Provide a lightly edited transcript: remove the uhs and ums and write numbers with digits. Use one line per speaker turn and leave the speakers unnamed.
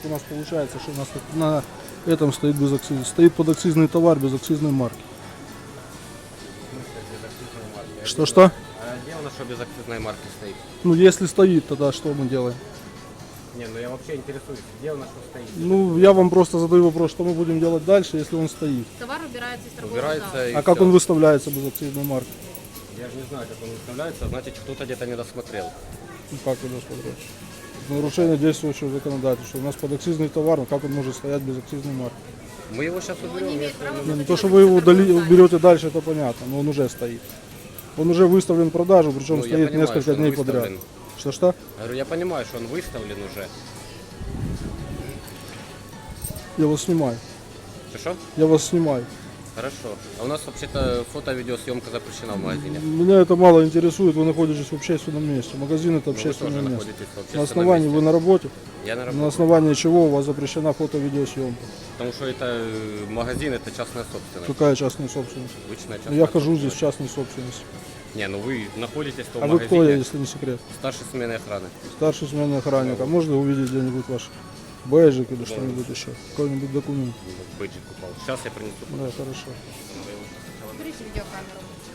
у нас получается, что у нас тут на этом стоит без акциза. Стоит подакцизный товар без акцизной марки. Что-что?
А где у нас что без акцизной марки стоит?
Ну, если стоит, тогда что мы делаем?
Не, ну я вообще интересуюсь, где у нас что стоит?
Ну, я вам просто задаю вопрос, что мы будем делать дальше, если он стоит.
Товар убирается из торгового
Убирается
зала.
и
А как
всё.
он выставляется без акцизной марки?
Я же не знаю, как он выставляется, значит кто-то где-то не досмотрел.
Ну, как это смотреть? Нарушение действующего законодательства. У нас подакцизный товар, но как он может стоять без акцизной марки?
Мы его сейчас
Он
уберем,
не имеет
если
права
он-
Не,
выставить
то, что
его
вы его
в торговом зале.
уберете дальше, это понятно, но он уже стоит. Он уже выставлен в продажу, причем
Ну, я
стоит
понимаю, что
несколько
он
дней
выставлен.
подряд. Что-что?
Говорю, я понимаю, что он выставлен уже.
Я вас снимаю.
Что?
Я вас снимаю.
Хорошо. А у нас вообще-то фото-видеосъемка запрещена в магазине.
Меня это мало интересует, вы находитесь в общественном месте. Магазин это
Ну, вы тоже
общественное место.
находитесь в
На
общественном
основании
месте.
вы на работе,
Я на
на
работе.
основании чего у вас запрещена фото-видеосъемка.
Потому что это магазин, это частная собственность.
Какая частная собственность?
Обычная частная
Я хожу здесь
собственность.
в частной собственности.
Не, ну вы находитесь в том
А вы
магазине.
кто, если не секрет?
Старший смены охраны.
Старший сменный охранник. А можно увидеть где-нибудь ваш бэджик или что-нибудь еще? Какой-нибудь документ?
Бэджик упал. Сейчас я принесу.
Да, хорошо.
Берите видеокамеру.